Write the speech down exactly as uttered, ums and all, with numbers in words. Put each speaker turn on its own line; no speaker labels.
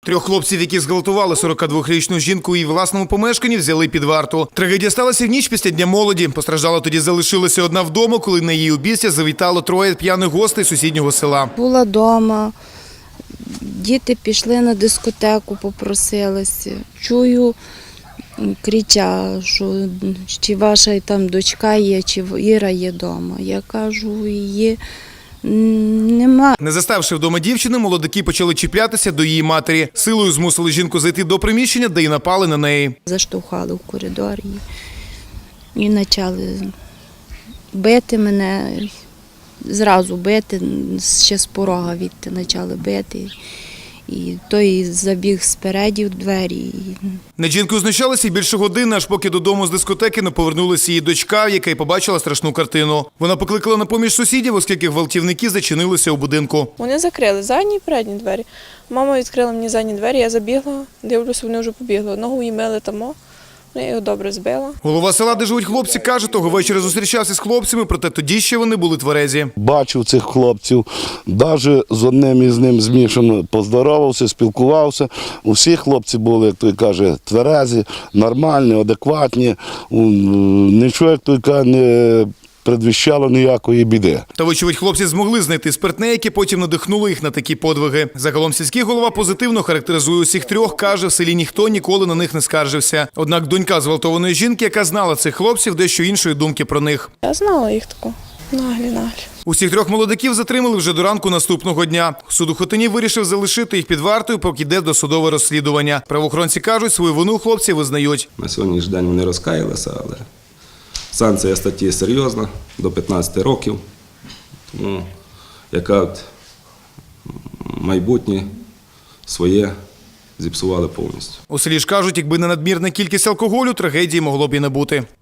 Трьох хлопців, які зґвалтували сорокадвохрічну жінку у її власному помешканні, взяли під варту. Трагедія сталася в ніч після Дня молоді. Постраждала тоді залишилася одна вдома, коли на її обійстя завітало троє п'яних гостей сусіднього села.
Була вдома, діти пішли на дискотеку, попросилися. Чую, крича, що чи ваша там дочка є, чи Іра є вдома. Я кажу, її нема.
Не заставши вдома дівчини, молодики почали чіплятися до її матері. Силою змусили жінку зайти до приміщення, де й напали на неї.
Заштовхали в коридорі і почали бити мене, зразу бити, ще з порога відти почали бити. І той забіг спереді в двері.
Над жінкою знущалися й більше години, аж поки додому з дискотеки не повернулася її дочка, яка й побачила страшну картину. Вона покликала на поміж сусідів, оскільки гвалтівники зачинилися у будинку.
Вони закрили задні і передні двері. Мама відкрила мені задні двері, я забігла, дивлюся, вони вже побігли. Ногу їй мили тамо, я його добре збила.
Голова села, де живуть хлопці, каже, того вечора зустрічався з хлопцями, проте тоді ще вони були тверезі.
Бачив цих хлопців, навіть з одним із ним змішано поздоровався, спілкувався. Усі хлопці були, як той каже, тверезі, нормальні, адекватні. Нічого, як той каже, не предвіщало ніякої біди.
Та, вочевидь, хлопці змогли знайти спиртне, яке потім надихнуло їх на такі подвиги. Загалом сільський голова позитивно характеризує усіх трьох, каже, в селі ніхто ніколи на них не скаржився. Однак донька зґвалтованої жінки, яка знала цих хлопців, дещо іншої думки про них.
Я знала їх таку. Наглі, наглі.
Усіх трьох молодиків затримали вже до ранку наступного дня. Суд у Хотині вирішив залишити їх під вартою, поки йде досудове розслідування. Правоохоронці кажуть, свою вину хлопці визнають.
На сьогоднішній день вони розкаялися, але санкція статті серйозна, до п'ятнадцяти років. Тому яка от майбутнє своє зіпсували повністю.
У селі ж кажуть, якби не надмірна кількість алкоголю, трагедії могло б і не бути.